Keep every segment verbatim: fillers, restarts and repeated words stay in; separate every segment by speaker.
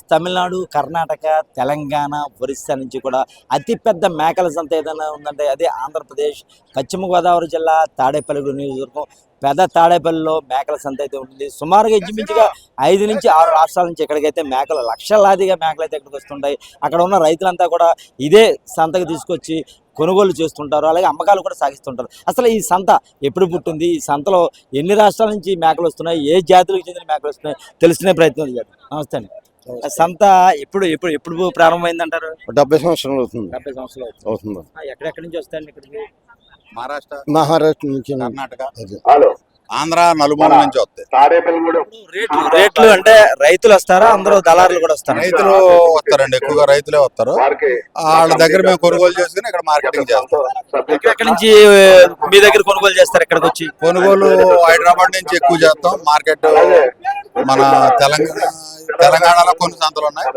Speaker 1: తమిళనాడు, కర్ణాటక, తెలంగాణ, ఒరిస్సా నుంచి కూడా అతిపెద్ద మేకల సంత ఏదైనా ఉందంటే అదే ఆంధ్రప్రదేశ్ పశ్చిమ గోదావరి జిల్లా తాడేపల్లి నియోజకవర్గం పెద్ద తాడేపల్లిలో మేకల సంత అయితే ఉంటుంది. సుమారుగా ఇంచుమించుగా ఐదు నుంచి ఆరు రాష్ట్రాల నుంచి ఎక్కడికైతే మేకలు లక్షలాదిగా మేకలు అయితే ఇక్కడికి వస్తుంటాయి. అక్కడ ఉన్న రైతులంతా కూడా ఇదే సంతకు తీసుకొచ్చి కొనుగోలు చేస్తుంటారు, అలాగే అమ్మకాలు కూడా సాగిస్తుంటారు. అసలు ఈ సంత ఎప్పుడు పుట్టింది, ఈ సంతలో ఎన్ని రాష్ట్రాల నుంచి మేకలు వస్తున్నాయి, ఏ జాతులకు చెందిన మేకలు వస్తున్నాయి తెలుసుకునే ప్రయత్నం చేద్దాం. నమస్తే అండి. సంత ఎప్పుడు ఎప్పుడు ఎప్పుడు ప్రారంభమైంది అంటారు?
Speaker 2: డెబ్బై సంవత్సరాలు అవుతుంది.
Speaker 1: డెబ్బై సంవత్సరాలు
Speaker 2: అవుతుంది.
Speaker 1: ఎక్కడెక్కడి నుంచి వస్తాయండి ఇక్కడికి?
Speaker 3: మహారాష్ట్ర,
Speaker 2: మహారాష్ట్ర నుంచి,
Speaker 3: కర్ణాటక, ఆంధ్ర, నలుమూల నుంచి వస్తాయి.
Speaker 1: రేట్లు రేట్లు అంటే రైతులు వస్తారా, అందరూ దళారులు కూడా వస్తారా?
Speaker 3: రైతులు వస్తారండి, ఎక్కువగా రైతులే వస్తారు. వాళ్ళ దగ్గర మేము కొనుగోలు చేసుకుని ఇక్కడ మార్కెటింగ్ చేస్తాం.
Speaker 1: ఎక్కడెక్కడి నుంచి మీ దగ్గర కొనుగోలు చేస్తారు? ఎక్కడికి వచ్చి
Speaker 3: కొనుగోలు హైదరాబాద్ నుంచి ఎక్కువ చేస్తాం. మార్కెట్ మన తెలంగాణ తెలంగాణలో కొన్ని సంతలు ఉన్నాయి.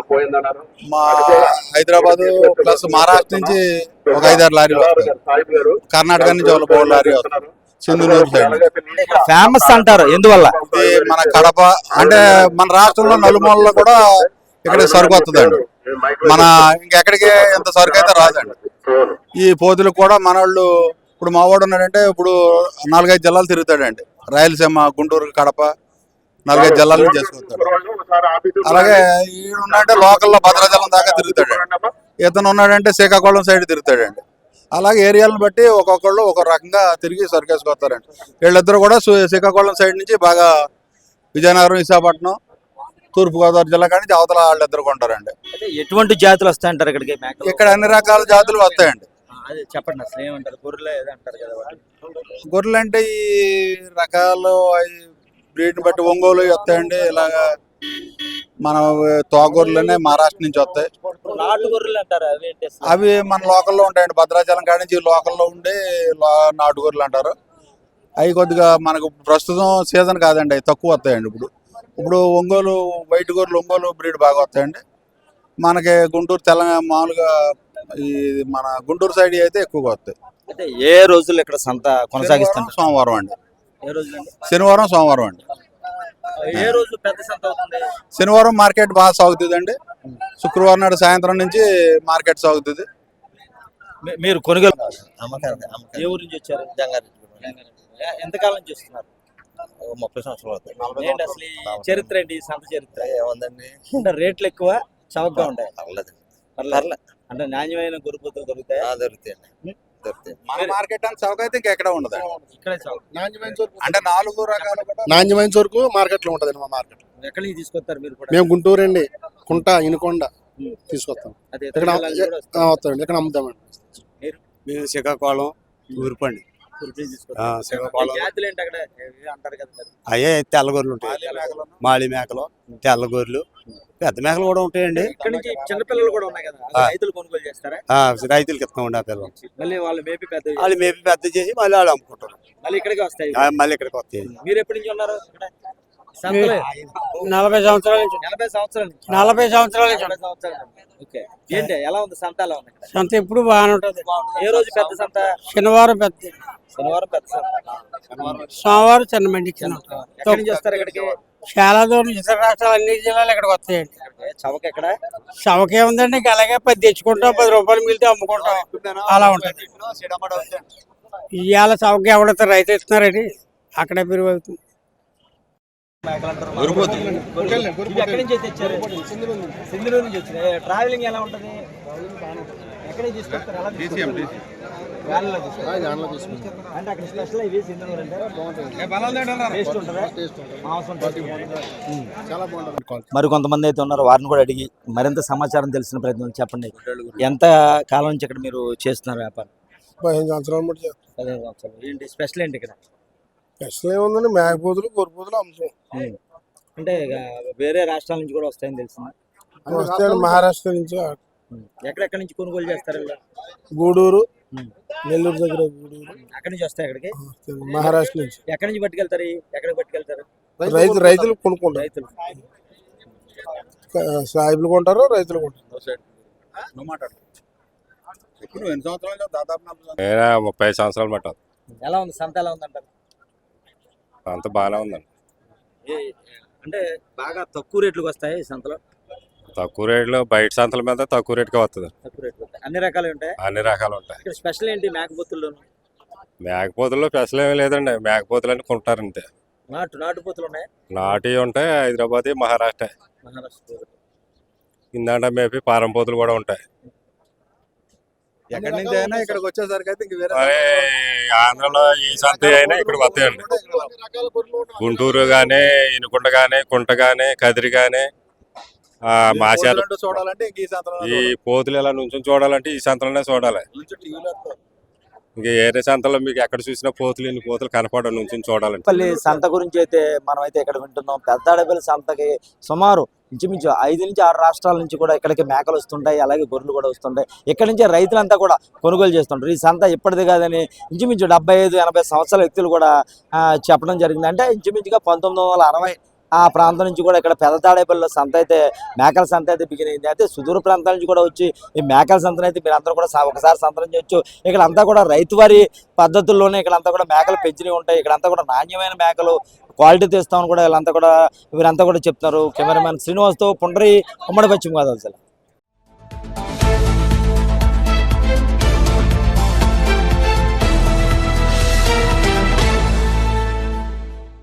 Speaker 3: మా హైదరాబాద్ ప్లస్ మహారాష్ట్ర నుంచి ఒక ఐదారు లారీలు వస్తాయి. కర్ణాటక నుంచి ఒక మూడు లారీ వస్తారు. సింధునూరు సైడ్
Speaker 1: ఫేమస్ అంటారు, ఎందువల్ల?
Speaker 3: ఇది మన కడప అంటే మన రాష్ట్రంలో నలుమూలలో కూడా ఇక్కడ సరుకు వస్తుందండి. మన ఇంకెక్కడికి ఇంత సరుకు అయితే రాదండి. ఈ పోతులకు కూడా మన వాళ్ళు ఇప్పుడు మా వాడు ఉన్నాడంటే ఇప్పుడు నాలుగైదు జిల్లాలు తిరుగుతాడండి. రాయలసీమ, గుంటూరు, కడప నాలుగైదు జిల్లాలు చేసుకుంటాడు. అలాగే ఈడున్నాడంటే లోకల్లో భద్రాచలం దాకా తిరుగుతాడండి. ఇతను ఉన్నాడంటే శ్రీకాకుళం సైడ్ తిరుగుతాడండి. అలాగే ఏరియాలను బట్టి ఒక్కొక్కళ్ళు ఒక్కొక్క రకంగా తిరిగి సరుకేసుకొస్తారండి. వీళ్ళిద్దరు కూడా శ్రీకాకుళం సైడ్ నుంచి బాగా విజయనగరం, విశాఖపట్నం, తూర్పుగోదావరి జిల్లా కానీ అవతల వాళ్ళిద్దరు కొంటారండి.
Speaker 1: ఎటువంటి జాతులు వస్తాయంటారు ఇక్కడికి?
Speaker 3: ఇక్కడ అన్ని రకాల జాతులు వస్తాయండి.
Speaker 1: చెప్పండి, అసలు ఏమంటారు? గొర్రెలు అంటారు కదా,
Speaker 3: గొర్రెలు అంటే ఈ రకాలు బ్రీడ్ని బట్టి ఒంగోలు వస్తాయండి. ఇలాగా మన తోగొర్రెలనే మహారాష్ట్ర నుంచి వస్తాయి.
Speaker 1: నాటు గొర్రెలు అంటారు,
Speaker 3: అవి మన లోకల్లో ఉంటాయండి. భద్రాచలం కాడి నుంచి లోకల్లో ఉండే నాటు గొర్రెలు అంటారు. అవి కొద్దిగా మనకు ప్రస్తుతం సీజన్ కాదండి, అవి తక్కువ వస్తాయండి. ఇప్పుడు ఇప్పుడు ఒంగోలు వైట్ గొర్రెలు, ఒంగోలు బ్రీడ్ బాగా వస్తాయండి. మనకి గుంటూరు, తెలంగాణ మామూలుగా ఈ మన గుంటూరు సైడ్ అయితే ఎక్కువగా వస్తాయి.
Speaker 1: అంటే ఏ రోజులు ఇక్కడ సంత కొనసాగిస్తాం?
Speaker 3: సోమవారం అండి.
Speaker 1: ఏ రోజు?
Speaker 3: శనివారం, సోమవారం అండి.
Speaker 1: ఏ రోజు పెద్ద సంత అవుతుంది?
Speaker 3: శనివారం మార్కెట్ బాగా సాగుతుంది అండి. శుక్రవారం నాడు సాయంత్రం నుంచి మార్కెట్ సాగుతుంది.
Speaker 1: మీరు కొనుగోలు ఏ ఊరు నుంచి వచ్చారు? ఎంతకాలం నుంచి వస్తున్నారు?
Speaker 2: ముప్పై సంవత్సరాలు అవుతాయి.
Speaker 1: ఏంటి అసలు ఈ చరిత్ర ఏంటి, ఈ సంత చరిత్ర?
Speaker 2: ఏముందండి,
Speaker 1: అంటే రేట్లు ఎక్కువ, చౌకగా ఉంటాయి.
Speaker 2: పర్లేదు.
Speaker 1: అంటే నాణ్యమైన గొర్రెపోతులు దొరుకుతాయి.
Speaker 2: దొరుకుతాయి దొరుకుతాయి
Speaker 3: మన మార్కెట్ అంత చౌక అయితే ఇంకెక్కడ ఉండదు.
Speaker 1: ఇక్కడే చౌక.
Speaker 3: అంటే నాలుగు రకాల
Speaker 2: నాణ్యమైన సరుకు మార్కెట్ లో ఉంటదండి. మా మార్కెట్
Speaker 1: ఎక్కడి నుంచి తీసుకొస్తారు మీరు కూడా?
Speaker 2: మేము గుంటూరు అండి, కుంట, ఇనుకొండ తీసుకొస్తాం. ఇక్కడ వస్తామండి, ఇక్కడ అమ్ముతామండి.
Speaker 4: మేము శ్రీకాకుళం, ఊరుపండి, అయ్యే తెల్ల గొర్రెలు ఉంటాయి. మాళి మేకలు, తెల్ల గొర్రెలు, పెద్ద మేకలు కూడా ఉంటాయండి.
Speaker 1: చిన్నపిల్లలు కూడా ఉన్నాయి కదా, రైతులు కొనుగోలు చేస్తారా?
Speaker 4: రైతులకి ఇస్తామండి ఆ పిల్లలు.
Speaker 1: మళ్ళీ వాళ్ళు మేపి పెద్ద
Speaker 4: వాళ్ళు మేపి పెద్ద చేసి మళ్ళీ వాళ్ళు అమ్ముకుంటారు.
Speaker 1: మళ్ళీ ఇక్కడికి వస్తాయి.
Speaker 4: మళ్ళీ ఇక్కడికి వస్తాయి.
Speaker 1: మీరు ఎప్పటి నుంచి ఉన్నారు?
Speaker 5: నలభై సంవత్సరాల నుంచి.
Speaker 1: ఎనభై సంవత్సరాల నుంచి
Speaker 5: నలభై సంవత్సరాల నుంచి.
Speaker 1: ఓకే. ఏంటి, ఎలా ఉంది సంత? ఎలా ఉంది
Speaker 5: సంత? ఎప్పుడు బాగానే ఉంటది.
Speaker 1: ఏ రోజు పెద్ద సంత?
Speaker 5: శనివారం పెద్ద,
Speaker 1: శనివారం పెద్ద సంత,
Speaker 5: సోమవారం చిన్న మండి.
Speaker 1: ఎక్కడి నుంచి వస్తారు ఇక్కడికి?
Speaker 5: చాలా దూరం, ఇతర రాష్ట్రాలు అన్ని జిల్లాలు ఇక్కడికి వస్తాయండి.
Speaker 1: చవక ఎక్కడ?
Speaker 5: చవకే ఉందండి, ఇంకా అలాగే పది తెచ్చుకుంటాం, పది రూపాయలు మిగిలితే అమ్ముకుంటాం, అలా ఉంటుంది. ఇవాళ చవక ఎవడతారు, రైతు ఇస్తున్నారండి, అక్కడే పెరుగు అవుతుంది.
Speaker 1: ఎక్కడి నుంచి తెచ్చారు? సింధునూరు నుంచి వచ్చింది. ట్రావెలింగ్ ఎలా ఉంటుంది? ఎక్కడి నుంచి తీసుకొస్తారు? అంటే అక్కడ స్పెషల్ ఇవి సింధునూరు అంటే టేస్ట్ ఉంటుందా?
Speaker 2: చాలా బాగుంటుంది.
Speaker 1: మరి కొంతమంది అయితే ఉన్నారు, వారిని కూడా అడిగి మరింత సమాచారం తెలిసిన ప్రయత్నం చెప్పండి. ఎంత కాలం నుంచి ఇక్కడ మీరు చేస్తున్నారు వ్యాపారం?
Speaker 2: పదిహేను సంవత్సరాలు బట్టి.
Speaker 1: పదిహేను సంవత్సరాలు. ఏంటి స్పెషల్ ఏంటి ఇక్కడ?
Speaker 2: స్పెషల్ ఏముందండి, మేకపోతులు, గొర్రెపోతులు అమ్ముతాం.
Speaker 1: అంటే వేరే రాష్ట్రాల నుంచి కూడా వస్తాయని తెలిసింది.
Speaker 2: వస్తాయండి, మహారాష్ట్ర నుంచి.
Speaker 1: ఎక్కడెక్కడి నుంచి కొనుగోలు చేస్తారు?
Speaker 2: గూడూరు, నెల్లూరు దగ్గర గూడూరు.
Speaker 1: అక్కడి నుంచి వస్తాయి ఇక్కడికి?
Speaker 2: మహారాష్ట్ర నుంచి.
Speaker 1: ఎక్కడి నుంచి పట్టుకెళ్తారు? ఎక్కడికి పట్టుకెళ్తారు?
Speaker 2: రైతు రైతులు కొనుక్కుంటారు.
Speaker 1: రైతులు
Speaker 2: సాయిబులు కొంటారు, రైతులు కొంటారు.
Speaker 4: ముప్పై సంవత్సరాలు పట్టాలి.
Speaker 1: ఎలా ఉంది సంత? ఎలా ఉందంటారు?
Speaker 4: అంత బాగానే ఉందండి.
Speaker 1: అంటే బాగా తక్కువ రేట్లకు వస్తాయి సంతలో?
Speaker 6: తక్కువ రేట్లో బయట సంతల మీద తక్కువ రేటుకే వస్తుంది.
Speaker 1: తక్కువ రేట్ అన్ని రకాలు ఉంటాయి.
Speaker 6: అన్ని రకాలు ఉంటాయి.
Speaker 1: ఇక్కడ స్పెషల్ ఏంటి మేకపోతుల్లో?
Speaker 6: మేకపోతుల్లో స్పెషల్ ఏమీ లేదండి. మేకపోతులు అని కొంటారు అంతే.
Speaker 1: నాటు నాటు పోతులు ఉన్నాయి.
Speaker 6: నాటి ఉంటాయి. హైదరాబాద్, మహారాష్ట్ర,
Speaker 1: మహారాష్ట్ర
Speaker 6: ఇందాక మేపి పారం పోతులు కూడా ఉంటాయి.
Speaker 3: ఎక్కడి నుంచి అయినా ఇక్కడికి వచ్చేసరికి అయితే ఇంక వేరే
Speaker 6: మరి ఆంధ్రలో ఏ సంత అయినా ఇక్కడికి వస్తాయండి. గుంటూరు కానీ, ఇనుకొండ కానీ, కుంట కానీ, కదిరి కానీ, మాశాలు
Speaker 3: పోతులు చూడాలంటే ఇంక ఈ సంతలో
Speaker 6: ఈ పోతులు ఎలా నుంచి చూడాలంటే ఈ సంతలోనే చూడాలి. ఇంక ఏరే సంతలో మీకు ఎక్కడ చూసినా పోతులు ఇన్ని పోతులు కనపడడం నుంచి చూడాలంటే.
Speaker 1: పల్లి సంత గురించి అయితే మనం అయితే ఇక్కడ వింటున్నాం. పెద్దాడపల్లి సంతకి సుమారు ఇంచుమించు ఐదు నుంచి ఆరు రాష్ట్రాల నుంచి కూడా ఇక్కడికి మేకలు వస్తుంటాయి, అలాగే గొర్రెలు కూడా వస్తుంటాయి. ఇక్కడి నుంచి రైతులంతా కూడా కొనుగోలు చేస్తుంటారు. ఈ సంత ఇప్పటిది కాదని ఇంచుమించు డెబ్బై ఐదు ఎనభై సంవత్సరాల వ్యక్తులు కూడా చెప్పడం జరిగింది. అంటే ఇంచుమించుగా పంతొమ్మిది వందల అరవై ఆ ప్రాంతం నుంచి కూడా ఇక్కడ పెద్ద తాడేపల్లిలో సంత అయితే మేకల సంత అయితే బిగిన్ అయింది. అయితే సుదూర ప్రాంతాల నుంచి కూడా వచ్చి ఈ మేకల సంతను అయితే మీరు అందరూ కూడా ఒకసారి సంతనం చేయొచ్చు. ఇక్కడ అంతా కూడా రైతువారి పద్ధతుల్లోనే ఇక్కడ అంతా కూడా మేకలు పెంచినవి ఉంటాయి. ఇక్కడ అంతా కూడా నాణ్యమైన మేకలు క్వాలిటీ తెస్తామని కూడా వీళ్ళంతా కూడా వీరంతా కూడా చెప్తున్నారు. కెమెరామెన్ శ్రీనివాస్తో పుండ్రి ఉమ్మడి పశ్చిమ గోదావరి జిల్లా.